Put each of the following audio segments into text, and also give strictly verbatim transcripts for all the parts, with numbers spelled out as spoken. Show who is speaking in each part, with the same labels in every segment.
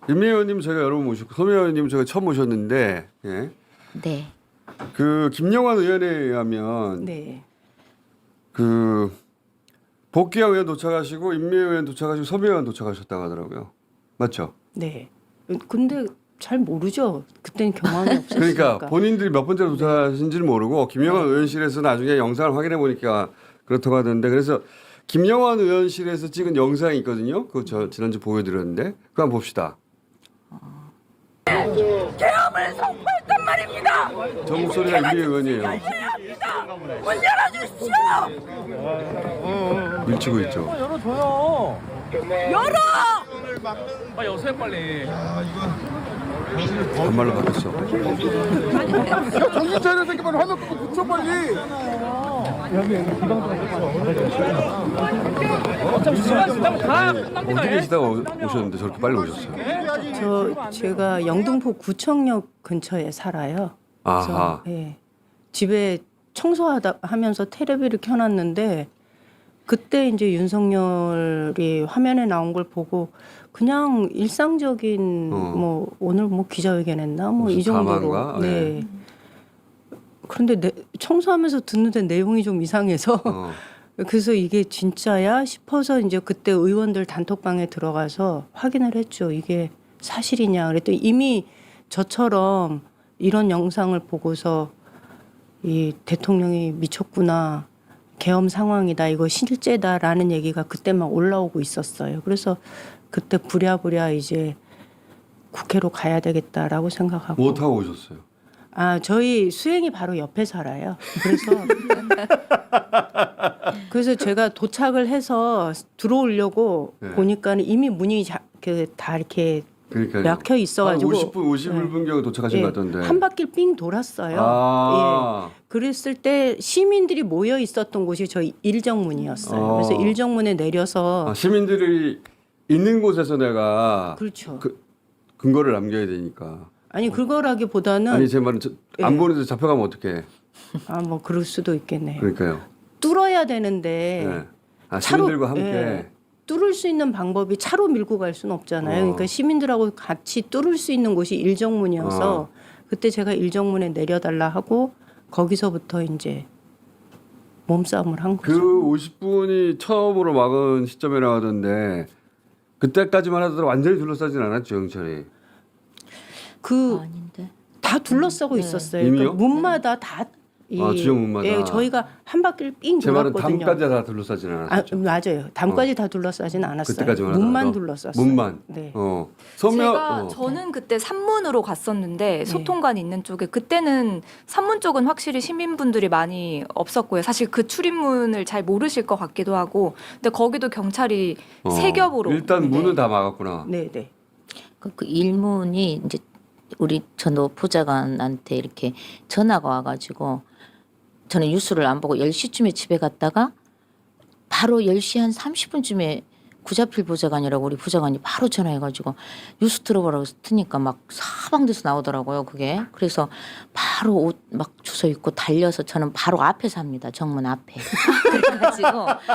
Speaker 1: 임미 의원님 저희가 여러 번 모셨고 소미 의원님 저희가 처음 모셨는데 예.
Speaker 2: 네.
Speaker 1: 그 김영환 의원에 의하면
Speaker 3: 네.
Speaker 1: 그 복귀한 의원 도착하시고 임미 의원 도착하시고 소미 의원 도착하셨다고 하더라고요. 맞죠?
Speaker 3: 네. 근데 잘 모르죠. 그때는 경험이 없었으니까.
Speaker 1: 그러니까 본인들이 몇 번째로 도착하신지를 모르고 김영환 의원실에서 나중에 영상을 확인해 보니까 그렇다고 하던데 그래서 김영환 의원실에서 찍은 영상이 있거든요. 그거 저 지난주 보여드렸는데 그거 한번 봅시다.
Speaker 4: 계엄을 선포했단 말입니다.
Speaker 1: 저 목소리가 임미 의원이에요.
Speaker 4: 문 열어주십시오.
Speaker 1: 밀치고 있죠.
Speaker 5: 열어줘요.
Speaker 4: 열어.
Speaker 5: 빨리 여세요 빨리.
Speaker 1: 반말로 바뀌었어.
Speaker 6: 정신 차려 새끼 빨리 화면 끄고 붙여 빨리.
Speaker 5: 어차피 시간 지나면 다 끝납니다.
Speaker 1: 어디
Speaker 5: 예?
Speaker 1: 계시다가 오- 오셨는데 저렇게 빨리 오셨어요.
Speaker 3: 저 제가 영등포 구청역 근처에 살아요. 그래서
Speaker 1: 아하.
Speaker 3: 예. 집에 청소하다 하면서 테레비를 켜놨는데 그때 이제 윤석열이 화면에 나온 걸 보고 그냥 일상적인
Speaker 1: 어.
Speaker 3: 뭐 오늘 뭐 기자회견했나 뭐 이
Speaker 1: 무슨
Speaker 3: 정도로
Speaker 1: 담화인가?
Speaker 3: 네. 그런데 내, 청소하면서 듣는데 내용이 좀 이상해서
Speaker 1: 어.
Speaker 3: 그래서 이게 진짜야 싶어서 이제 그때 의원들 단톡방에 들어가서 확인을 했죠. 이게 사실이냐. 그랬더니 이미 저처럼 이런 영상을 보고서 이 대통령이 미쳤구나. 계엄 상황이다. 이거 실제다라는 얘기가 그때 막 올라오고 있었어요. 그래서 그때 부랴부랴 이제 국회로 가야 되겠다라고 생각하고.
Speaker 1: 뭐 타고 오셨어요?
Speaker 3: 아, 저희 수행이 바로 옆에 살아요. 그래서 그래서 제가 도착을 해서 들어오려고
Speaker 1: 네.
Speaker 3: 보니까는 이미 문이 자, 그, 다 이렇게
Speaker 1: 그러니까
Speaker 3: 막혀 있어가지고
Speaker 1: 오십 분, 오십일 분경에 도착하신
Speaker 3: 예,
Speaker 1: 것 같던데.
Speaker 3: 한 바퀴 삥 돌았어요.
Speaker 1: 아.
Speaker 3: 예. 그랬을 때 시민들이 모여 있었던 곳이 저희 일정문이었어요.
Speaker 1: 어.
Speaker 3: 그래서 일정문에 내려서
Speaker 1: 아, 시민들이 있는 곳에서 내가
Speaker 3: 그렇죠.
Speaker 1: 그, 근거를 남겨야 되니까.
Speaker 3: 아니 그거라기보다는
Speaker 1: 아니 제 말은 저, 안
Speaker 3: 예.
Speaker 1: 보는데 잡혀가면 어떡해.
Speaker 3: 아 뭐 그럴 수도 있겠네요.
Speaker 1: 그러니까요.
Speaker 3: 뚫어야 되는데
Speaker 1: 네. 아,
Speaker 3: 차로-
Speaker 1: 시민들과 함께.
Speaker 3: 예. 뚫을 수 있는 방법이 차로 밀고 갈 수는 없잖아요.
Speaker 1: 어.
Speaker 3: 그러니까 시민들하고 같이 뚫을 수 있는 곳이 일정문이어서
Speaker 1: 어.
Speaker 3: 그때 제가 일정문에 내려달라 하고 거기서부터 이제 몸싸움을 한 거죠.
Speaker 1: 그 오십 분이 처음으로 막은 시점이라고 하던데 그때까지만 하더라도 완전히 둘러싸진 않았죠, 영철이.
Speaker 3: 그
Speaker 2: 아, 아닌데.
Speaker 3: 다 둘러싸고 있었어요.
Speaker 1: 이미요?
Speaker 3: 그러니까 문마다 다. 이,
Speaker 1: 아, 지역 문마다.
Speaker 3: 예, 저희가 한 바퀴를 삥
Speaker 1: 제 말은
Speaker 3: 돌았거든요.
Speaker 1: 담까지 다 둘러싸진
Speaker 3: 아,
Speaker 1: 않았죠.
Speaker 3: 맞아요. 담까지 다 둘러싸진 않았어요.
Speaker 1: 그때까지만
Speaker 3: 문만
Speaker 1: 하더라도.
Speaker 3: 둘러쌌어요.
Speaker 1: 문만.
Speaker 3: 네.
Speaker 1: 어. 서면
Speaker 7: 제가
Speaker 1: 어.
Speaker 7: 저는 그때 산문으로 갔었는데 소통관 있는 쪽에 그때는 산문 쪽은 확실히 시민분들이 많이 없었고요. 사실 그 출입문을 잘 모르실 것 같기도 하고, 근데 거기도 경찰이
Speaker 1: 어.
Speaker 7: 세 겹으로
Speaker 1: 일단
Speaker 7: 네.
Speaker 1: 문은 다 막았구나.
Speaker 3: 네, 네.
Speaker 2: 그, 그 일문이 이제 우리 전도 보좌관한테 이렇게 전화가 와가지고 저는 뉴스를 안 보고 열 시쯤에 집에 갔다가 바로 열 시 한 삼십 분쯤에 구자필 보좌관이라고 우리 보좌관이 바로 전화해가지고 뉴스 들어보라고 해서 트니까 막 사방돼서 나오더라고요 그게. 그래서 바로 옷 막 주워 입고 달려서 저는 바로 앞에 삽니다. 정문 앞에. 그래가지고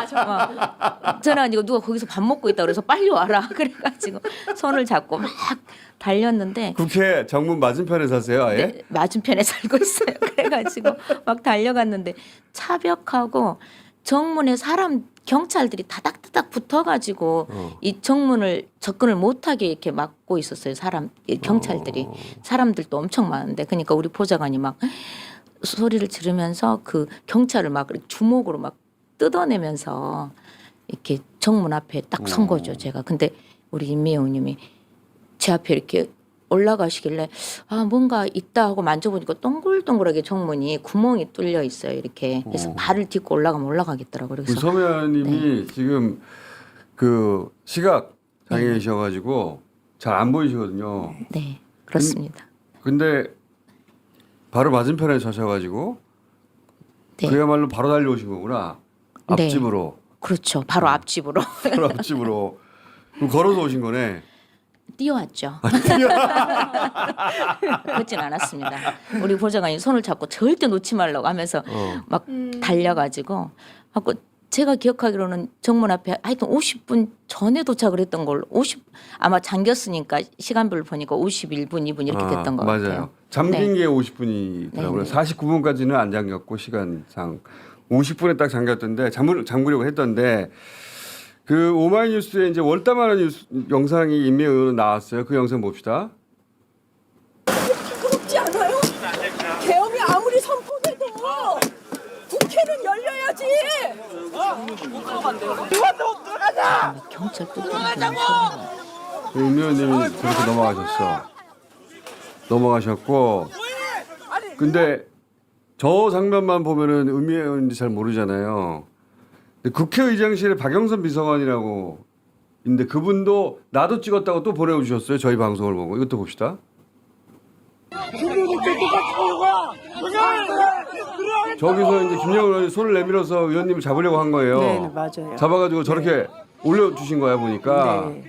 Speaker 2: 막 전화가지고 누가 거기서 밥 먹고 있다 그래서 빨리 와라. 그래가지고 손을 잡고 막 달렸는데
Speaker 1: 국회 정문 맞은편에 사세요, 아예?
Speaker 2: 네, 맞은편에 살고 있어요. 그래가지고 막 달려갔는데 차벽하고 정문에 사람 경찰들이 다닥다닥 붙어가지고
Speaker 1: 어.
Speaker 2: 이 정문을 접근을 못하게 이렇게 막고 있었어요. 사람 이 경찰들이
Speaker 1: 어.
Speaker 2: 사람들도 엄청 많은데 그러니까 우리 보좌관이 막 소리를 지르면서 그 경찰을 막 주먹으로 막 뜯어내면서 이렇게 정문 앞에 딱 선 거죠. 제가 근데 우리 임미 의원님이 제 앞에 이렇게 올라가시길래 아 뭔가 있다 하고 만져보니까 동글동글하게 정문이 구멍이 뚫려 있어요 이렇게. 그래서
Speaker 1: 어.
Speaker 2: 발을 딛고 올라가면 올라가겠더라고요.
Speaker 1: 우리
Speaker 2: 그래서
Speaker 1: 서면님이 지금 그 시각 장애이셔가지고 잘 안 보이시거든요.
Speaker 2: 네 그렇습니다.
Speaker 1: 근데 바로 맞은편에 서셔가지고
Speaker 2: 네.
Speaker 1: 그야말로 바로 달려오신 거구나.
Speaker 2: 네.
Speaker 1: 앞집으로.
Speaker 2: 그렇죠. 바로 앞집으로
Speaker 1: 바로 앞집으로. 그럼 걸어서 오신 거네.
Speaker 2: 뛰어왔죠. 그렇진 않았습니다. 우리 보좌관이 손을 잡고 절대 놓지 말라고 하면서
Speaker 1: 어.
Speaker 2: 막 달려가지고 하고 제가 기억하기로는 정문 앞에 하여튼 오십 분 전에 도착을 했던 걸로 오십 아마 잠겼으니까 시간별로 보니까 오십일 분, 이 분 이렇게 됐던
Speaker 1: 아,
Speaker 2: 것
Speaker 1: 맞아요.
Speaker 2: 같아요.
Speaker 1: 잠긴
Speaker 2: 네.
Speaker 1: 게 오십 분이더라고요.
Speaker 2: 네, 네.
Speaker 1: 사십구 분까지는 안 잠겼고 시간상 오십 분에 딱 잠겼던데 잠글 잠그려고 했던데 그 오마이뉴스에 이제 월담하는 뉴스, 영상이 임미 의원 나왔어요. 그 영상 봅시다.
Speaker 4: 그렇지 않아요? 계엄이 아무리 선포돼도 국회는 열려야지.
Speaker 2: 경찰 또
Speaker 1: 임미 의원님이 그렇게 넘어가셨어. 넘어가셨고 근데 저 장면만 보면은 의미 의원인지 잘 모르잖아요. 근데 국회의장실에 박영선 비서관이라고 있는데 그분도 나도 찍었다고 또 보내주셨어요. 저희 방송을 보고 이것도 봅시다. 저기서 이제 김영우 의원이 손을 내밀어서 의원님을 잡으려고 한 거예요.
Speaker 3: 네, 네, 맞아요.
Speaker 1: 잡아가지고 저렇게 올려주신 거야 보니까.
Speaker 3: 네.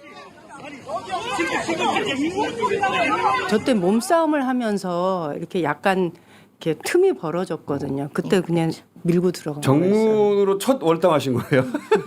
Speaker 3: 저때 몸싸움을 하면서 이렇게 약간 이렇게 틈이 벌어졌거든요. 그때 그냥 밀고 들어간 거였어요.
Speaker 1: 정문으로 첫 월당하신 거예요.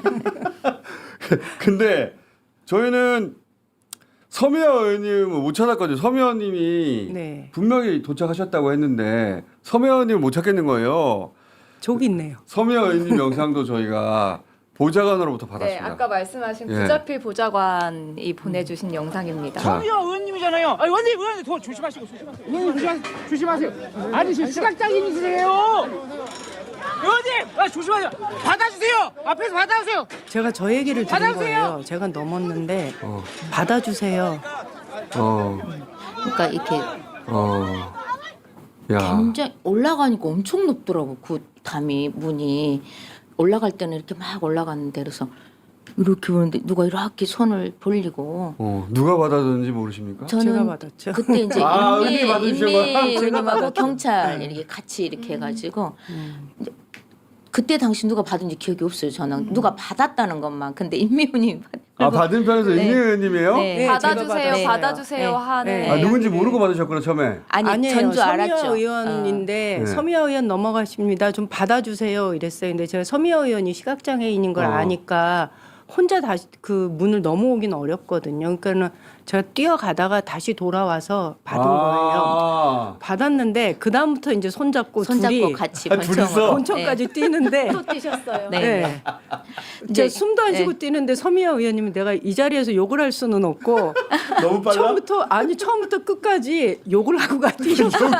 Speaker 1: 근데 저희는 서미아 의원님을 못 찾았거든요. 서미아 의원님이
Speaker 3: 네.
Speaker 1: 분명히 도착하셨다고 했는데 서미아 의원님을 못 찾겠는 거예요.
Speaker 3: 저기 있네요.
Speaker 1: 서미아 의원님 영상도 저희가 보좌관으로부터
Speaker 7: 네,
Speaker 1: 받았습니다.
Speaker 7: 아까 말씀하신
Speaker 1: 예.
Speaker 7: 부자필 보좌관이 보내주신 영상입니다.
Speaker 1: 자.
Speaker 5: 서미아 의원님이잖아요. 아, 의원님, 의원님, 더 조심하시고, 조심하세요. 의원님, 조심, 조심하세요. 아니, 지금 시각장애인이세요. 의원님, 아, 조심하세요. 받아주세요. 앞에서 받아주세요.
Speaker 3: 제가 저 얘기를 들은
Speaker 5: 받아주세요.
Speaker 3: 거예요. 제가 넘었는데
Speaker 1: 어,
Speaker 3: 받아주세요.
Speaker 1: 어,
Speaker 2: 그러니까 이렇게
Speaker 1: 어, 야,
Speaker 2: 굉장히 올라가니까 엄청 높더라고 그 담이 문이 올라갈 때는 이렇게 막 올라갔는데 그래서 이렇게 보는데 누가 이렇게 손을 벌리고
Speaker 1: 어, 누가 받아줬는지 모르십니까?
Speaker 2: 저는
Speaker 3: 제가 받았죠.
Speaker 2: 그때 이제
Speaker 1: 아,
Speaker 2: 인미
Speaker 1: 의원님이 받으신 거야?
Speaker 2: 인미
Speaker 3: 제가
Speaker 2: 의원님하고
Speaker 3: 받았죠.
Speaker 2: 경찰
Speaker 3: 네.
Speaker 2: 이렇게 같이 이렇게 해가지고
Speaker 3: 음.
Speaker 2: 이제 그때 당시 누가 받은지 기억이 없어요. 저는 누가 받았다는 것만. 근데 인미 의원님이 받.
Speaker 1: 아 받은 편에서
Speaker 2: 네.
Speaker 1: 임미 의원님이에요?
Speaker 2: 네.
Speaker 3: 네, 제가
Speaker 7: 받아주세요,
Speaker 3: 받았어요.
Speaker 7: 받아주세요
Speaker 3: 네.
Speaker 7: 하는.
Speaker 3: 네.
Speaker 1: 아 누군지
Speaker 3: 네.
Speaker 1: 모르고 받으셨구나 처음에.
Speaker 2: 아니
Speaker 3: 아니에요.
Speaker 2: 전주
Speaker 3: 서미아
Speaker 2: 알았죠.
Speaker 3: 의원인데
Speaker 1: 어. 네.
Speaker 3: 서미아 의원 넘어가십니다. 좀 받아주세요 이랬어요. 근데 제가 서미아 의원이 시각장애인인 걸
Speaker 1: 어.
Speaker 3: 아니까 혼자 다시 그 문을 넘어오긴 어렵거든요. 그러니까는 제가 뛰어가다가 다시 돌아와서 받은 거예요.
Speaker 1: 아.
Speaker 3: 받았는데 그 다음부터 이제 손잡고,
Speaker 2: 어, 손잡고
Speaker 3: 둘이
Speaker 2: 같이
Speaker 1: 아, 둘이서?
Speaker 2: 권총으로.
Speaker 3: 본청까지 뛰는데
Speaker 7: 또 뛰셨어요.
Speaker 2: 네.
Speaker 3: 네.
Speaker 2: 네.
Speaker 3: 이제
Speaker 2: 이제
Speaker 3: 숨도 안 쉬고
Speaker 2: 네.
Speaker 3: 뛰는데 서미아 의원님이 내가 이 자리에서 욕을 할 수는 없고
Speaker 1: 너무 빨라?
Speaker 3: 처음부터 아니 처음부터 끝까지 욕을 하고 가 뛰셨어요.
Speaker 2: 저는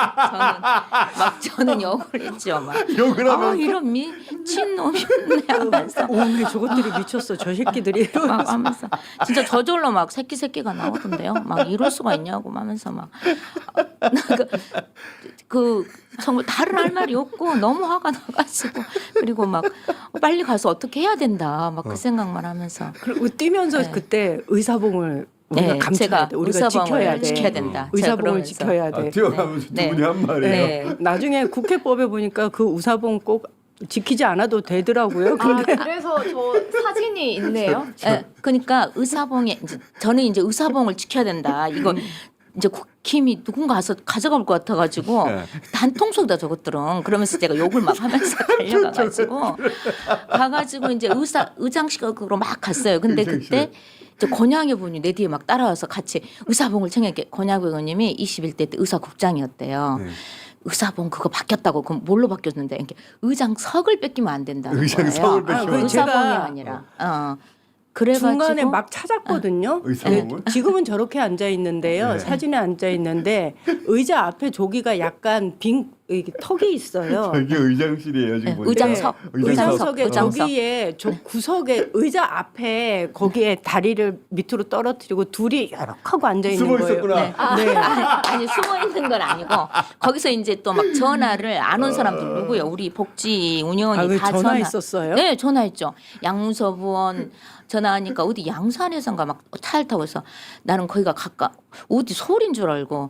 Speaker 2: 막 저는 욕을 했죠. 막.
Speaker 1: 욕을
Speaker 2: 아
Speaker 1: 하면
Speaker 2: 이런 미친 놈이네 하면서
Speaker 3: 오, 근데 저것들이 미쳤어. 저 새끼들이.
Speaker 2: 막 하면서 진짜 저절로 막 새끼 새끼가 나오던데요. 막 이럴 수가 있냐고 하면서 막 그, 그 정말 다른 할 말이 없고 너무 화가 나가지고 그리고 막 빨리 가서 어떻게 해야 된다 막 그 생각만 하면서
Speaker 3: 그리고 뛰면서
Speaker 2: 네.
Speaker 3: 그때 의사봉을 우리가
Speaker 2: 네,
Speaker 3: 감춰야
Speaker 2: 제가
Speaker 3: 돼. 우리가
Speaker 2: 의사봉을
Speaker 3: 지켜야 돼.
Speaker 2: 지켜야 된다. 제가
Speaker 3: 의사봉을
Speaker 2: 그러면서.
Speaker 3: 지켜야 돼.
Speaker 1: 아, 뛰어가면서
Speaker 2: 네.
Speaker 1: 두 분이 한 말이에요.
Speaker 2: 네.
Speaker 3: 나중에 국회법에 보니까 그 의사봉 꼭 지키지 않아도 되더라고요.
Speaker 7: 아,
Speaker 3: 근데
Speaker 7: 그래서 저 사진이 있네요.
Speaker 2: 예, 그러니까 의사봉에 이제 저는 이제 의사봉을 지켜야 된다. 이거 이제 국힘이 누군가 가서 가져갈 것 같아가지고
Speaker 1: 네.
Speaker 2: 단통속이다 저것들은 그러면서 제가 욕을 막 하면서 달려가가지고 가가지고 이제 의사 의장실으로 막 갔어요. 근데 그때 이제 권양의 분이 내 뒤에 막 따라와서 같이 의사봉을 챙겨게 권양 의원님이 이십일 대 때 의사국장이었대요.
Speaker 1: 네.
Speaker 2: 의사봉 그거 바뀌었다고 그럼 뭘로 바뀌었는데 이렇게 의장석을 뺏기면 안 된다는
Speaker 1: 의장석을
Speaker 2: 거예요.
Speaker 1: 뺏기면
Speaker 3: 안
Speaker 2: 의사봉이
Speaker 3: 된다.
Speaker 2: 아니라. 어. 그래가지고
Speaker 3: 중간에 막 찾았거든요.
Speaker 1: 의사봉을?
Speaker 3: 네, 지금은 저렇게 앉아 있는데요.
Speaker 1: 네.
Speaker 3: 사진에 앉아 있는데 의자 앞에 조기가 약간 빈 이게 턱이 있어요.
Speaker 1: 이게 의장실이에요 지금
Speaker 2: 네,
Speaker 1: 보니까.
Speaker 2: 의장석.
Speaker 3: 의장석에
Speaker 2: 의장석.
Speaker 3: 저기에 저 구석에 의자 앞에 거기에 다리를 밑으로 떨어뜨리고 둘이 이렇게 하고 앉아 있는
Speaker 1: 숨어
Speaker 3: 거예요.
Speaker 1: 있었구나.
Speaker 2: 네.
Speaker 3: 네.
Speaker 2: 아니 숨어 있는 건 아니고 거기서 이제 또 막 전화를 안 온 사람들 누구요? 우리 복지 운영원이
Speaker 3: 아, 그
Speaker 2: 다
Speaker 3: 전화했었어요?
Speaker 2: 네, 전화했죠. 양문서부원 전화하니까 어디 양산에선가 막 차를 타고 해서 나는 거기가 가까 어디 서울인 줄 알고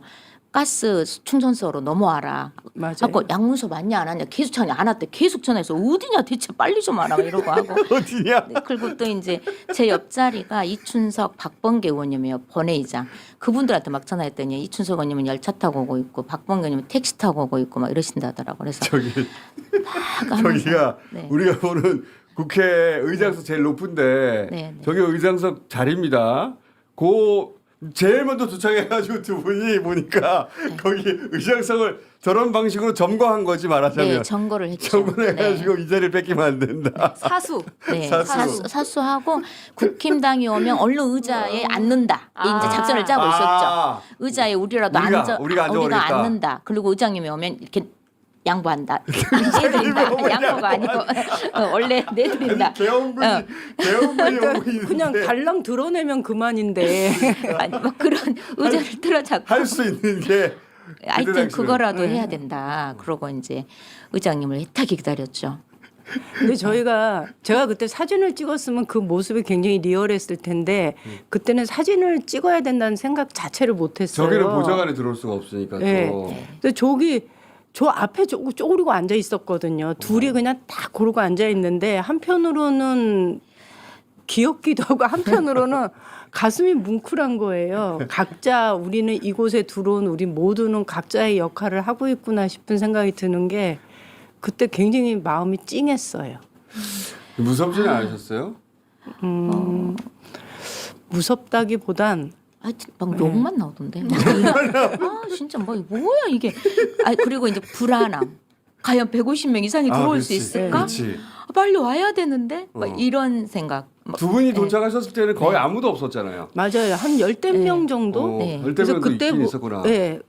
Speaker 2: 가스 충전소로 넘어와라.
Speaker 3: 맞아요.
Speaker 2: 하고 양문서 맞냐 안 하냐 계속 전화 안 왔대. 계속 전화해서 어디냐 대체 빨리 좀 와라 이러고 하고.
Speaker 1: 어디냐?
Speaker 2: 네, 그리고 또 이제 제 옆자리가 이춘석 박범계 의원님이요 본회의장. 그분들한테 막 전화했더니 이춘석 의원님은 열차 타고 오고 있고 박범계 의원님은 택시 타고 오고 있고 막 이러신다더라고. 그래서
Speaker 1: 저기
Speaker 2: 막 하면서
Speaker 1: 저기가
Speaker 2: 네.
Speaker 1: 우리가 보는 국회 의장석 제일 높은데
Speaker 2: 네, 네.
Speaker 1: 저기 의장석 자리입니다. 고 제일 먼저 도착해가지고 두 분이 보니까 거기 의장석을 저런 방식으로 점거한 거지 말하자면
Speaker 2: 네, 점거를 했죠.
Speaker 1: 점거를 해가지고 이 자리를 뺏기면 안 된다.
Speaker 7: 사수.
Speaker 2: 네,
Speaker 1: 사수.
Speaker 2: 사수. 사수하고 국힘당이 오면 얼른 의자에 앉는다.
Speaker 7: 아.
Speaker 2: 이제 작전을 짜고
Speaker 1: 아.
Speaker 2: 있었죠. 의자에 우리라도
Speaker 1: 우리가,
Speaker 2: 앉아,
Speaker 1: 우리가 앉아버리겠다.
Speaker 2: 앉는다. 그리고 의장님이 오면 이렇게 양보한다. 내드린다. 양보가 아니고 어, 원래 내드린다.
Speaker 1: 개헌군이
Speaker 2: 어.
Speaker 1: 개헌군이 오고 있는데
Speaker 3: 그냥 달랑 드러내면 그만인데.
Speaker 2: 아니 뭐 그런 의자를 틀어잡고
Speaker 1: 할 수 있는 게
Speaker 2: 하여튼
Speaker 1: 그때 당시는.
Speaker 2: 그거라도
Speaker 3: 네.
Speaker 2: 해야 된다. 그러고 이제 의장님을 애타게 기다렸죠.
Speaker 3: 근데 저희가 제가 그때 사진을 찍었으면 그 모습이 굉장히 리얼했을 텐데 그때는 사진을 찍어야 된다는 생각 자체를 못했어요.
Speaker 1: 저기는 보좌관에 들어올 수가 없으니까
Speaker 3: 네.
Speaker 1: 또
Speaker 3: 근데 저기 저 앞에 쪼, 쪼그리고 앉아 있었거든요. 둘이 그냥 딱 고르고 앉아 있는데 한편으로는 귀엽기도 하고 한편으로는 가슴이 뭉클한 거예요. 각자 우리는 이곳에 들어온 우리 모두는 각자의 역할을 하고 있구나 싶은 생각이 드는 게 그때 굉장히 마음이 찡했어요.
Speaker 1: 무섭지는 않으셨어요?
Speaker 3: 음, 무섭다기보단
Speaker 2: 하여튼 막 욕만 나오던데. 아 진짜 뭐 뭐야 이게. 아 그리고 이제 불안함. 과연 백오십 명 이상이 들어올
Speaker 1: 아,
Speaker 2: 수
Speaker 1: 그렇지.
Speaker 2: 있을까?
Speaker 1: 그렇지.
Speaker 2: 아, 빨리 와야 되는데 막
Speaker 1: 어.
Speaker 2: 이런 생각. 막,
Speaker 1: 두 분이
Speaker 2: 네.
Speaker 1: 도착하셨을 때는 거의 아무도 없었잖아요.
Speaker 3: 맞아요. 한 열댓 명 정도?
Speaker 1: 어,
Speaker 2: 네.
Speaker 1: 열대면도 있긴
Speaker 3: 뭐-
Speaker 1: 있었구나.
Speaker 3: 네,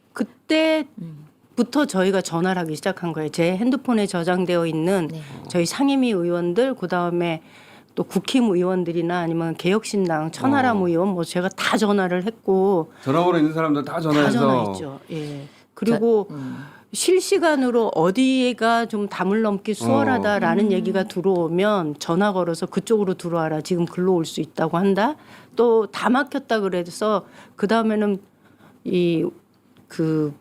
Speaker 3: 그때부터 저희가 전화를 하기 시작한 거예요. 제 핸드폰에 저장되어 있는
Speaker 2: 네.
Speaker 3: 저희 상임위 의원들, 그 다음에 또 국힘 의원들이나 아니면 개혁신당 천하람
Speaker 1: 어.
Speaker 3: 의원, 뭐 제가 다 전화를 했고
Speaker 1: 전화번호 있는 사람들 다
Speaker 3: 다
Speaker 1: 전화해서
Speaker 3: 전화했죠. 예. 그리고
Speaker 2: 자, 음.
Speaker 3: 실시간으로 어디가 좀 담을 넘기 수월하다라는
Speaker 2: 음.
Speaker 3: 얘기가 들어오면 전화 걸어서 그쪽으로 들어와라. 지금 글로 올 수 있다고 한다. 또 다 막혔다 그래서 그 다음에는 이 그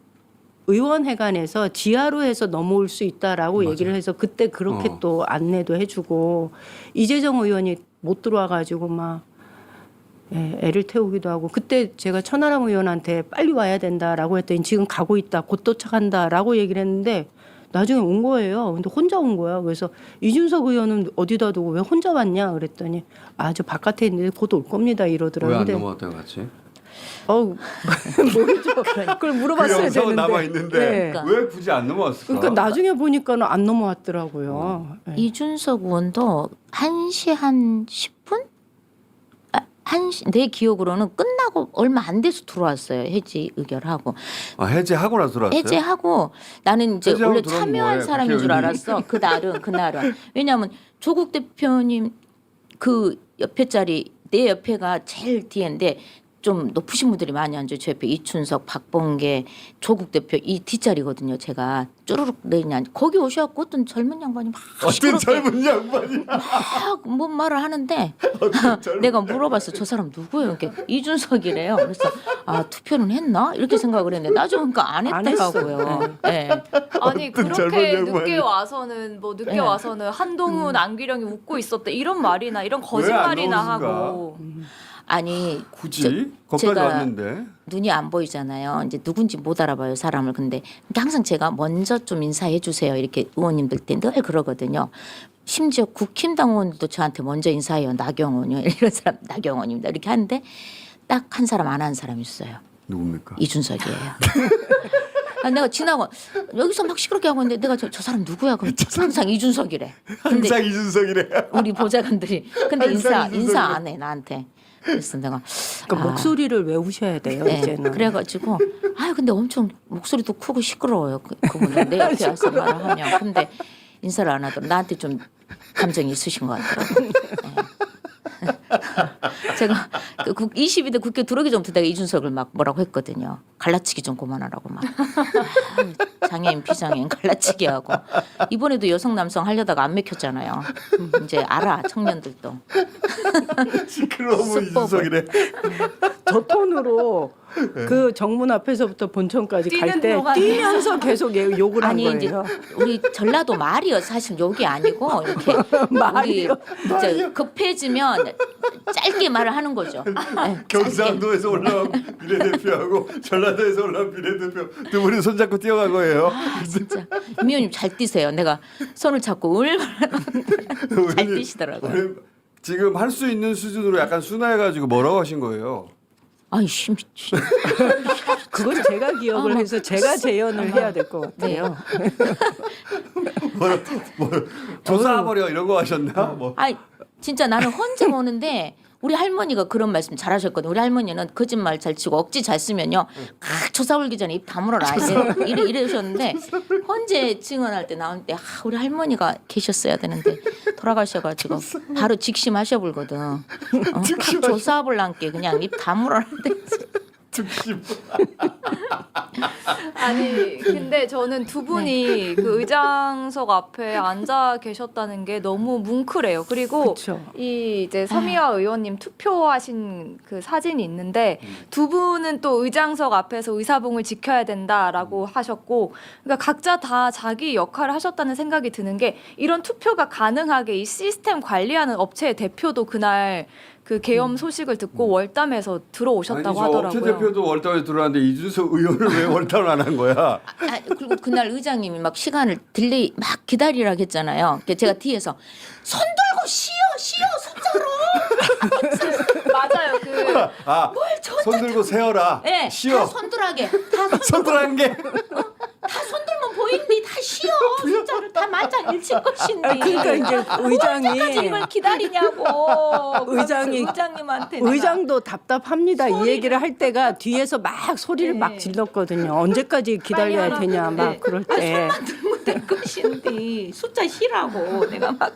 Speaker 3: 의원회관에서 지하로 해서 넘어올 수 있다라고
Speaker 1: 맞아요.
Speaker 3: 얘기를 해서 그때 그렇게
Speaker 1: 어.
Speaker 3: 또 안내도 해주고 이재정 의원이 못 들어와가지고 막 예, 애를 태우기도 하고 그때 제가 천하람 의원한테 빨리 와야 된다라고 했더니 지금 가고 있다 곧 도착한다라고 얘기를 했는데 나중에 온 거예요. 근데 혼자 온 거야. 그래서 이준석 의원은 어디다 두고 왜 혼자 왔냐 그랬더니 아 저 바깥에 있는데 곧 올 겁니다 이러더라고요.
Speaker 1: 왜 안
Speaker 3: 근데
Speaker 1: 넘어왔다고 같이?
Speaker 3: 어우 모르죠. 그걸
Speaker 1: 그
Speaker 3: 물어봤어야
Speaker 1: 영상은
Speaker 3: 되는데.
Speaker 1: 남아 있는데
Speaker 3: 네.
Speaker 2: 그러니까.
Speaker 1: 왜 굳이 안 넘어왔을까?
Speaker 3: 그러니까 나중에 보니까는 안 넘어왔더라고요. 네.
Speaker 2: 이준석 의원도 한 시 한 십 분? 아, 한 시, 내 기억으로는 끝나고 얼마 안 돼서 들어왔어요. 해지 의결하고.
Speaker 1: 아, 해제하고 나서 들어왔어요?
Speaker 2: 해제하고 나는 이제
Speaker 1: 해제하고
Speaker 2: 원래
Speaker 1: 들어오면
Speaker 2: 참여한
Speaker 1: 뭐예요?
Speaker 2: 사람인 줄
Speaker 1: 국회의원이?
Speaker 2: 알았어. 그날은 그날은. 왜냐하면 조국 대표님 그 옆에 자리 내 옆에가 제일 뒤인데 좀 높으신 분들이 많이 앉아요. 저 옆에 이춘석, 박범계, 조국 대표 이 뒷자리거든요. 제가 쭈르륵 내리냐 앉아. 거기 오셔갖고 어떤 젊은 양반이 막
Speaker 1: 어떤
Speaker 2: 시끄럽게
Speaker 1: 젊은 양반이
Speaker 2: 막뭔 말을 하는데
Speaker 1: 젊은
Speaker 2: 내가 물어봤어. 저 사람 누구예요? 이렇게 이준석이래요. 그래서 아 투표는 했나? 이렇게 생각을 했는데 나중에 보니까 안
Speaker 3: 안
Speaker 2: 했더라고요. 네.
Speaker 7: 아니
Speaker 1: 젊은
Speaker 7: 그렇게
Speaker 1: 양반이.
Speaker 7: 늦게 와서는 뭐 늦게
Speaker 2: 네.
Speaker 7: 와서는 한동훈 안규령이 웃고 있었대 이런 말이나 이런 거짓말이나
Speaker 1: 나오는가?
Speaker 7: 하고
Speaker 2: 아니
Speaker 1: 굳이
Speaker 2: 저-
Speaker 1: 거기까지
Speaker 2: 제가
Speaker 1: 왔는데
Speaker 2: 눈이 안 보이잖아요. 이제 누군지 못 알아봐요 사람을. 근데 항상 제가 먼저 좀 인사해 주세요. 이렇게 의원님들 때 늘 그러거든요. 심지어 국힘당 의원들도 저한테 먼저 인사해요. 나경원이요. 이런 사람 나경원입니다. 이렇게 하는데 딱 한 사람 안 한 사람이 있어요.
Speaker 1: 누굽니까?
Speaker 2: 이준석이에요. 아, 내가 지나고 여기서 막 시끄럽게 하고 있는데 내가 저, 저 사람 누구야? 그럼 항상 이준석이래. 근데
Speaker 1: 항상 이준석이래.
Speaker 2: 우리 보좌관들이 근데
Speaker 1: 항상
Speaker 2: 인사
Speaker 1: 이준석이래.
Speaker 2: 인사 안 해 나한테. 그래서 내가
Speaker 3: 그러니까
Speaker 2: 아,
Speaker 3: 목소리를 외우셔야 돼요.
Speaker 2: 네,
Speaker 3: 이제는.
Speaker 2: 그래가지고 아유 근데 엄청 목소리도 크고 시끄러워요. 그, 그분은 내 옆에 와서 말을 하면 근데 인사를 안 하더라고. 나한테 좀 감정이 있으신 것 같더라고요. 네. 제가 그 국- 이십이 대 국회 들어오기 전부터 내가 이준석을 막 뭐라고 했거든요. 갈라치기 좀 그만하라고 막. 아, 장애인 비장애인 갈라치기 하고 이번에도 여성 남성 하려다가 안 맥혔잖아요. 음, 이제 알아 청년들도.
Speaker 1: 시끄러우면
Speaker 2: 수법을.
Speaker 1: 이준석이래.
Speaker 3: 저 톤으로 그 정문 앞에서부터 본청까지 갈
Speaker 7: 뛰는
Speaker 3: 때
Speaker 7: 동안에.
Speaker 3: 뛰면서 계속 얘- 욕을 한
Speaker 2: 아니
Speaker 3: 거예요.
Speaker 2: 이제 우리 전라도 말이요 사실 욕이 아니고 이렇게
Speaker 3: 말이요?
Speaker 2: 우리 이제 급해지면 짧게 말을 하는 거죠. 네, 짧게.
Speaker 1: 경상도에서 올라온 비례대표하고 전라도에서 올라온 비례대표 두 분이 손잡고 뛰어간 거예요.
Speaker 2: 아, 진짜 임 의원님 잘 뛰세요. 내가 손을 잡고 얼마나 잘
Speaker 1: 의원님,
Speaker 2: 뛰시더라고요.
Speaker 1: 의원님, 지금 할 수 있는 수준으로 약간 순화해가지고 뭐라고 하신 거예요?
Speaker 2: 아이씨 미친.
Speaker 3: 그건 제가 기억을
Speaker 2: 어머.
Speaker 3: 해서 제가 재연을 해야 될 것 같아요.
Speaker 1: 뭐라, 뭐 조사버려 이런 거 하셨나? 뭐.
Speaker 2: 아이 진짜 나는 혼자 보는데 우리 할머니가 그런 말씀 잘하셨거든. 우리 할머니는 거짓말 잘 치고 억지 잘 쓰면요. 각 조사 올기 전에 입 다물어라. 이래, 이래 이러셨는데 헌재 증언할 때 나올 때 아, 우리 할머니가 계셨어야 되는데 돌아가셔가지고 바로 직심하셔불거든. 어? 각 조사불란께 그냥 입 다물어라.
Speaker 1: 즉심.
Speaker 7: 아니 근데 저는 두 분이 그 의장석 앞에 앉아 계셨다는 게 너무 뭉클해요. 그리고
Speaker 3: 그쵸.
Speaker 7: 이 이제 서미화 의원님 투표하신 그 사진이 있는데 두 분은 또 의장석 앞에서 의사봉을 지켜야 된다라고 하셨고, 그러니까 각자 다 자기 역할을 하셨다는 생각이 드는 게, 이런 투표가 가능하게 이 시스템 관리하는 업체의 대표도 그날 그 계엄 소식을 듣고 월담에서 들어오셨다고
Speaker 1: 아니, 저
Speaker 7: 하더라고요.
Speaker 1: 업체 대표도 월담에 들어왔는데 이준석 의원을 왜 월담을 안 한 거야?
Speaker 2: 아, 그리고 그날 의장님이 막 시간을 딜레이 막 기다리라고 했잖아요. 그래서 제가 뒤에서 손 들고 쉬어 쉬어 숫자로.
Speaker 7: 맞아요. 그
Speaker 1: 아, 손 들고 세어라.
Speaker 2: 네,
Speaker 1: 쉬어.
Speaker 2: 다 손들하게 다 손,
Speaker 1: 손들한 게.
Speaker 2: 다 손들면 보이니 다 쉬어 숫자를 다 만장 일칠 것인데.
Speaker 3: 아, 그러니까 이제
Speaker 2: 언제까지
Speaker 3: 의장이
Speaker 2: 이걸 기다리냐고.
Speaker 3: 의장이
Speaker 2: 의장님한테 내가.
Speaker 3: 의장도 답답합니다. 이 얘기를 할 때가 뒤에서 막 소리를
Speaker 2: 네.
Speaker 3: 막 질렀거든요. 언제까지 기다려야
Speaker 2: 빨리
Speaker 3: 되냐 막
Speaker 2: 네.
Speaker 3: 그럴
Speaker 2: 아,
Speaker 3: 때.
Speaker 2: 손만 들면 될 것인데 숫자 쉬라고 내가 막.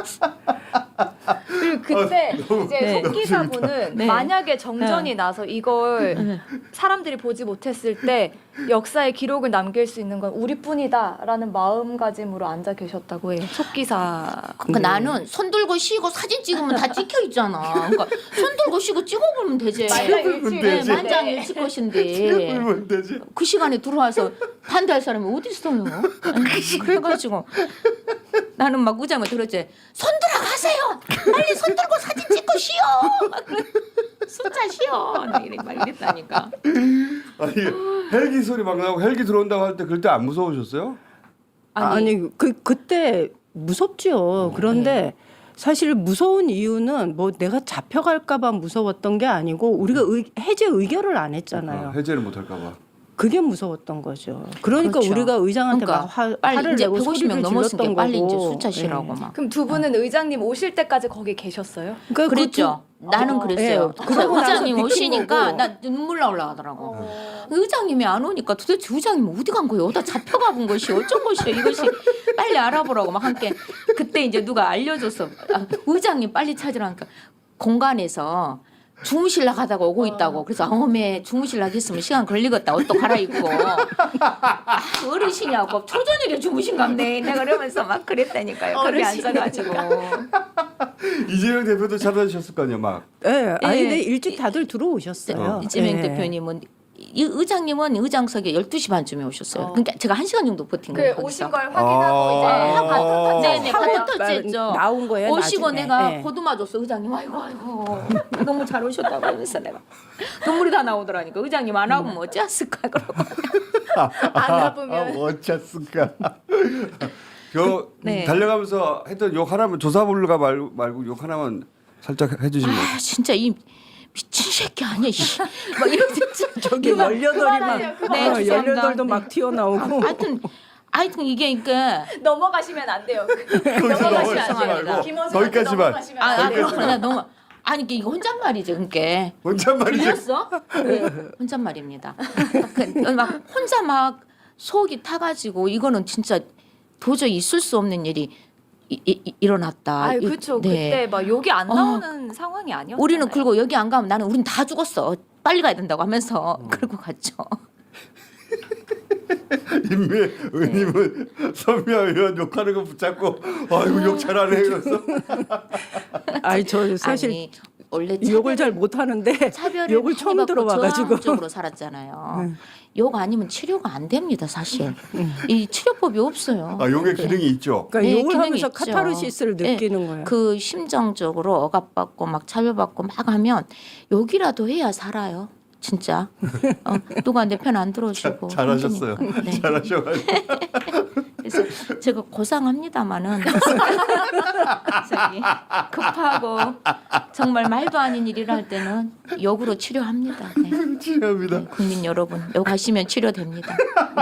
Speaker 7: 그리고 그때 이제
Speaker 2: 네.
Speaker 7: 속 기사분은
Speaker 2: 네.
Speaker 7: 만약에 정전이 나서 이걸 사람들이 보지 못했을 때 역사의 기록을 남길 수 있는 건 우리뿐이다라는 마음가짐으로 앉아 계셨다고 해요. 속 기사.
Speaker 2: 그러니까 나는 손 들고 쉬고 사진 찍으면 다 찍혀 있잖아. 그러니까 손 들고 쉬고 찍어보면 되지.
Speaker 1: 찍어보면
Speaker 2: 네,
Speaker 1: 되지.
Speaker 2: 만장일치 것인데
Speaker 1: 그러면 되지.
Speaker 2: 그 시간에 들어와서 반대할 사람이 어디 있어요? 그래가지고 나는 막 의장을 들었지. 손 들어가세요. 빨리 손 들고 사진 찍고 쉬어. 막 그래. 숫자 쉬어. 나 이래 막 이랬다니까.
Speaker 1: 아니 헬기 소리 막 나고 헬기 들어온다고 할 때 그때 안 무서우셨어요?
Speaker 3: 아니, 그 그때 무섭죠. 그런데 사실 무서운 이유는 뭐 내가 잡혀갈까봐 무서웠던 게 아니고 우리가 의, 해제 의결을 안 했잖아요.
Speaker 1: 아, 해제를 못할까봐.
Speaker 3: 그게 무서웠던 거죠. 그러니까
Speaker 2: 그렇죠.
Speaker 3: 우리가 의장한테
Speaker 2: 그러니까
Speaker 3: 막 화,
Speaker 2: 빨리
Speaker 3: 화를
Speaker 2: 이제
Speaker 3: 내고
Speaker 2: 백오십 명
Speaker 3: 소리를
Speaker 2: 넘었으니까
Speaker 3: 질렀던
Speaker 2: 빨리 이제
Speaker 3: 거고.
Speaker 2: 숫자 쉬라고
Speaker 3: 예.
Speaker 2: 막.
Speaker 7: 그럼 두 분은 의장님 오실 때까지 거기 계셨어요?
Speaker 3: 그러니까
Speaker 2: 그랬죠. 나는
Speaker 3: 어,
Speaker 2: 그랬어요.
Speaker 3: 예.
Speaker 2: 그래서
Speaker 3: 그러고 나서
Speaker 2: 의장님
Speaker 3: 비킨
Speaker 2: 오시니까
Speaker 3: 거고.
Speaker 2: 나 눈물 나올라 하더라고. 의장님이 안 오니까 도대체 의장님 어디 간 거예요? 어디다 잡혀가 본 것이 어쩐 것이요? 이것이 빨리 알아보라고 막 함께. 그때 이제 누가 알려줬어. 아, 의장님 빨리 찾으라니까 공간에서 주무실라 가다가 오고 있다고. 그래서 어메 주무실라 했으면 시간 걸리겠다. 옷도 갈아입고. 아, 어르신이하고 초저녁에 주무신갑네. 내가 그러면서 막 그랬다니까요. 거기 앉아가지고.
Speaker 1: 이재명 대표도 찾아주셨을 거 아니야 막.
Speaker 3: 예, 아니
Speaker 2: 예.
Speaker 3: 근데 일찍 다들 들어오셨어요.
Speaker 2: 이재명
Speaker 3: 예.
Speaker 2: 대표님은 이 의장님은 의장석에 열두 시 반쯤에 오셨어요.
Speaker 7: 어.
Speaker 2: 그러니까 제가 한 시간 정도 버틴
Speaker 7: 그
Speaker 2: 거예요. 거기서.
Speaker 7: 오신 걸 확인하고
Speaker 1: 아.
Speaker 7: 이제
Speaker 1: 아.
Speaker 2: 네네,
Speaker 3: 하고
Speaker 2: 바로 터치했죠.
Speaker 3: 나온 거예요.
Speaker 2: 오시고
Speaker 3: 나중에.
Speaker 2: 내가
Speaker 3: 예.
Speaker 2: 보듬어 줬어. 의장님 아이고 아이고 너무 잘 오셨다고 하면서 내가 눈물이 다 나오더라니까. 의장님 안 와보면 어찌했을까 그러고.
Speaker 7: 안
Speaker 1: 아,
Speaker 7: 와보면
Speaker 1: 어쩌을까. 그
Speaker 2: 네.
Speaker 1: 달려가면서 했던 욕 하나만 조사불가 말고, 말고 욕 하나만 살짝 해주시면.
Speaker 2: 아 진짜 이 미친 새끼 아니야. 이. 막 이런 진짜
Speaker 3: 저기
Speaker 2: 그만-
Speaker 3: 열여덟이 막
Speaker 2: 네,
Speaker 3: 어,
Speaker 2: 죄송합니다.
Speaker 3: 열여덟도
Speaker 2: 네.
Speaker 3: 막 튀어나오고.
Speaker 2: 하여튼 하여튼 이게 그러니까
Speaker 7: 넘어가시면 안 돼요.
Speaker 1: 거기서
Speaker 2: 넘어가시면
Speaker 1: 넘어가지
Speaker 2: 안
Speaker 1: 말고
Speaker 2: 됩니다.
Speaker 7: 김원수한테
Speaker 1: 거기까지만.
Speaker 7: 넘어가시면
Speaker 2: 아,
Speaker 7: 안
Speaker 2: 아
Speaker 7: 돼요.
Speaker 2: 그렇구나 너무 아니 이게 이거 혼잣말이죠 그러니까.
Speaker 1: 혼잣말이지.
Speaker 2: 들렸어? 네, 혼잣말입니다. 그, 막 혼자 막 속이 타가지고 이거는 진짜 도저히 있을 수 없는 일이 이, 이, 일어났다.
Speaker 7: 아,
Speaker 2: 이-
Speaker 7: 그렇죠.
Speaker 2: 네.
Speaker 7: 그때 막 욕이 안
Speaker 2: 어.
Speaker 7: 나오는 상황이 아니었어요.
Speaker 2: 우리는 그리고 여기 안 가면 나는 우린 다 죽었어. 빨리 가야 된다고 하면서
Speaker 1: 음.
Speaker 2: 그러고 갔죠.
Speaker 1: 임미 의원님은 선미아 의원 욕하는 거 붙잡고 아이고 욕 잘하네 이러면서.
Speaker 3: 아니 저 사실
Speaker 2: 아니 원래
Speaker 3: 욕을 잘 못하는데
Speaker 2: 차별을
Speaker 3: 욕을
Speaker 2: 많이
Speaker 3: 처음
Speaker 2: 받고
Speaker 3: 들어봐가지고.
Speaker 2: 저항적으로 살았잖아요. 욕 아니면 치료가 안 됩니다, 사실. 이 치료법이 없어요.
Speaker 1: 아, 욕의 기능이 있죠.
Speaker 3: 그러니까
Speaker 2: 네,
Speaker 3: 욕을
Speaker 2: 기능이
Speaker 3: 하면서
Speaker 2: 있죠.
Speaker 3: 카타르시스를
Speaker 2: 네,
Speaker 3: 느끼는 거예요.
Speaker 2: 그 심정적으로 억압받고 막 차별받고 막 하면 욕이라도 해야 살아요. 진짜. 어, 누가 내 편 안 들어주고.
Speaker 1: 잘하셨어요.
Speaker 2: 힘드니까. 네.
Speaker 1: 잘하셔가지고.
Speaker 2: 그래서 제가 고상합니다마는 갑자기 급하고 정말 말도 아닌 일을 할 때는 욕으로 치료합니다. 네.
Speaker 1: 치료합니다.
Speaker 2: 네, 국민 여러분 욕하시면 치료됩니다.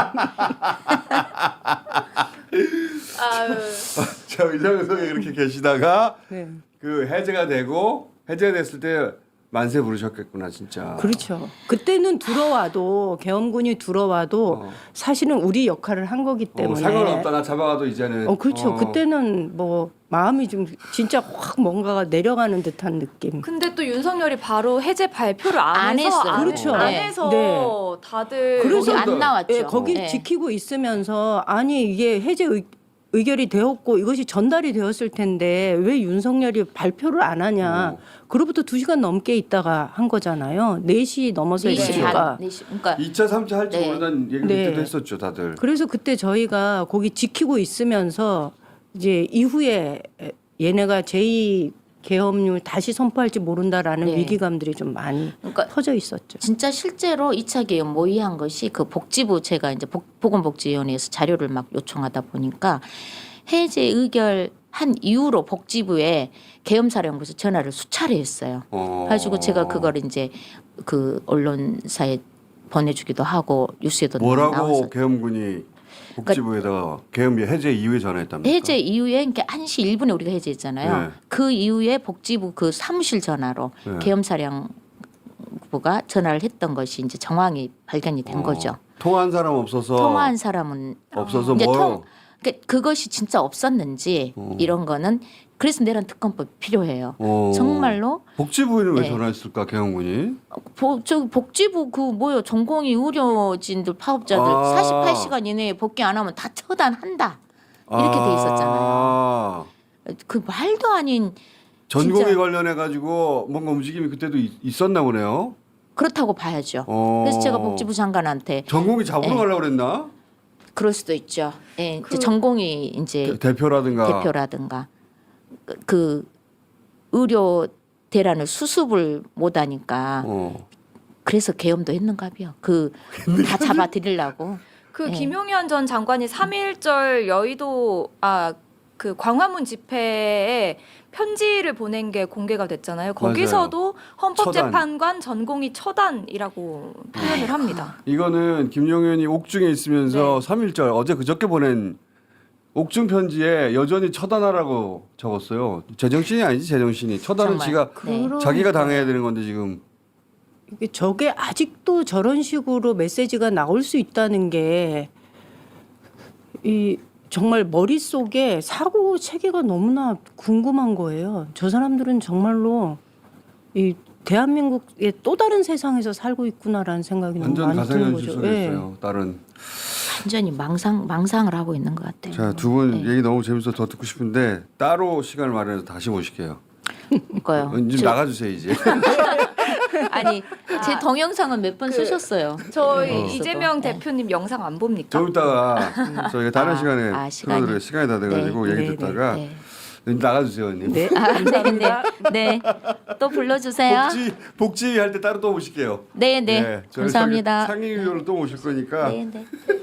Speaker 1: 자, 의장석에 그렇게 계시다가
Speaker 3: 네.
Speaker 1: 그 해제가 되고 해제가 됐을 때 만세 부르셨겠구나 진짜.
Speaker 3: 그렇죠. 그때는 들어와도 계엄군이 들어와도
Speaker 1: 어.
Speaker 3: 사실은 우리 역할을 한 거기
Speaker 1: 어,
Speaker 3: 때문에.
Speaker 1: 상관없다 나 잡아가도 이제는.
Speaker 3: 어 그렇죠.
Speaker 1: 어.
Speaker 3: 그때는 뭐 마음이 좀 진짜 확 뭔가가 내려가는 듯한 느낌.
Speaker 7: 근데 또 윤석열이 바로 해제 발표를 안,
Speaker 2: 안
Speaker 7: 해서
Speaker 2: 했어요.
Speaker 7: 안,
Speaker 3: 그렇죠.
Speaker 7: 안
Speaker 3: 네.
Speaker 7: 해서
Speaker 3: 네.
Speaker 7: 다들
Speaker 3: 그래서
Speaker 2: 거기 안 나왔죠.
Speaker 3: 예, 거기
Speaker 2: 네.
Speaker 3: 지키고 있으면서 아니 이게 해제 의, 의결이 되었고 이것이 전달이 되었을 텐데 왜 윤석열이 발표를 안 하냐.
Speaker 1: 어.
Speaker 3: 그로부터 두 시간 넘게 있다가 한 거잖아요. 네 시 넘어서
Speaker 2: 네 시
Speaker 3: 있으니까.
Speaker 2: 반, 네 시, 그러니까
Speaker 1: 이 차 삼 차 할지
Speaker 2: 네.
Speaker 1: 모른다는 얘기를
Speaker 3: 네.
Speaker 1: 그때도 했었죠 다들.
Speaker 3: 그래서 그때 저희가 거기 지키고 있으면서 이제 이후에 얘네가 제이 계엄률 다시 선포할지 모른다라는
Speaker 2: 네.
Speaker 3: 위기감들이 좀 많이
Speaker 2: 그러니까
Speaker 3: 퍼져 있었죠.
Speaker 2: 진짜 실제로 이 차 계엄 모의한 것이 그 복지부 제가 이제 복, 보건복지위원회에서 자료를 막 요청하다 보니까 해제 의결 한 이후로 복지부에 계엄사령부에서 전화를 수차례 했어요.
Speaker 1: 어.
Speaker 2: 그래가지고 제가 그걸 이제 그 언론사에 보내주기도 하고 뉴스에도
Speaker 1: 뭐라고
Speaker 2: 나와서
Speaker 1: 계엄군이 복지부에다가 계엄 해제 이후에 전화했답니까?
Speaker 2: 해제 이후에 그러니까 한 시 일 분에 우리가 해제했잖아요.
Speaker 1: 네.
Speaker 2: 그 이후에 복지부 그 사무실 전화로
Speaker 1: 네.
Speaker 2: 계엄사령부가 전화를 했던 것이 이제 정황이 발견이 된
Speaker 1: 어.
Speaker 2: 거죠.
Speaker 1: 통화한 사람 없어서.
Speaker 2: 통화한 사람은
Speaker 1: 없어서
Speaker 2: 이제
Speaker 1: 뭐.
Speaker 2: 통 그러니까 그것이 진짜 없었는지
Speaker 1: 어.
Speaker 2: 이런 거는 그래서 내란 특검법이 필요해요.
Speaker 1: 어.
Speaker 2: 정말로
Speaker 1: 복지부에는 왜
Speaker 2: 네.
Speaker 1: 전화했을까 계엄군이?
Speaker 2: 보, 저 복지부 그 뭐요 전공의 의료진들 파업자들
Speaker 1: 아.
Speaker 2: 사십팔 시간 이내에 복귀 안 하면 다 처단한다 이렇게 돼 있었잖아요.
Speaker 1: 아.
Speaker 2: 그 말도 아닌
Speaker 1: 전공에
Speaker 2: 진짜.
Speaker 1: 관련해 가지고 뭔가 움직임이 그때도 있, 있었나 보네요.
Speaker 2: 그렇다고 봐야죠.
Speaker 1: 어.
Speaker 2: 그래서 제가 복지부 장관한테
Speaker 1: 전공이 잡으러
Speaker 2: 네.
Speaker 1: 가려고 그랬나?
Speaker 2: 그럴 수도 있죠. 예,
Speaker 7: 그-
Speaker 2: 이제 전공이 이제
Speaker 1: 대- 대표라든가.
Speaker 2: 대표라든가 그, 그 의료 대란을 수습을 못하니까
Speaker 1: 어.
Speaker 2: 그래서 계엄도 했는가봐요. 그 다 잡아드리려고.
Speaker 7: 그
Speaker 2: 네.
Speaker 7: 김용현 전 장관이 삼일절 여의도 아 그 광화문 집회에 편지를 보낸 게 공개가 됐잖아요. 거기서도 헌법재판관 전공이 처단이라고 표현을 합니다.
Speaker 1: 이거는 김용현이 옥중에 있으면서
Speaker 7: 네.
Speaker 1: 삼일절 어제 그저께 보낸 옥중 편지에 여전히 처단하라고 적었어요. 제정신이 아니지 제정신이. 처단은
Speaker 2: 정말.
Speaker 1: 지가
Speaker 2: 네.
Speaker 3: 그럼-
Speaker 1: 자기가 당해야 되는 건데 지금.
Speaker 3: 이게 저게 아직도 저런 식으로 메시지가 나올 수 있다는 게 이 정말 머릿속에 사고 체계가 너무나 궁금한 거예요. 저 사람들은 정말로 이 대한민국의 또 다른 세상에서 살고 있구나라는 생각이 너무
Speaker 1: 완전
Speaker 3: 많이 드는
Speaker 1: 가상현실
Speaker 3: 거죠.
Speaker 1: 속에
Speaker 3: 예.
Speaker 1: 있어요. 다른.
Speaker 2: 완전히 망상 망상을 하고 있는 것 같아요.
Speaker 1: 자, 두 분
Speaker 2: 네.
Speaker 1: 얘기 너무 재밌어서 더 듣고 싶은데 따로 시간을 마련해서 다시 모실게요.
Speaker 2: 그거요.
Speaker 1: 좀
Speaker 2: 저-
Speaker 1: 나가주세요 이제.
Speaker 2: 아니 제
Speaker 7: 아,
Speaker 2: 동영상은 몇 번
Speaker 7: 그-
Speaker 2: 쓰셨어요.
Speaker 7: 저희
Speaker 1: 어.
Speaker 7: 이재명
Speaker 2: 네.
Speaker 7: 대표님 영상 안 봅니까?
Speaker 1: 좀 이따가 저희가 다른
Speaker 2: 아,
Speaker 1: 시간에
Speaker 2: 아, 시간이.
Speaker 1: 틀어드릴 시간이 다 돼가지고
Speaker 3: 네,
Speaker 1: 얘기
Speaker 3: 네,
Speaker 1: 듣다가
Speaker 2: 네.
Speaker 1: 나가주세요 언니.
Speaker 3: 네.
Speaker 2: 아, 네, 네, 네. 또 불러주세요.
Speaker 1: 복지 복지 할 때 따로 또 모실게요.
Speaker 2: 네, 네.
Speaker 1: 네, 저희
Speaker 2: 감사합니다.
Speaker 1: 상임위원으로 또 모실 거니까
Speaker 2: 네, 네.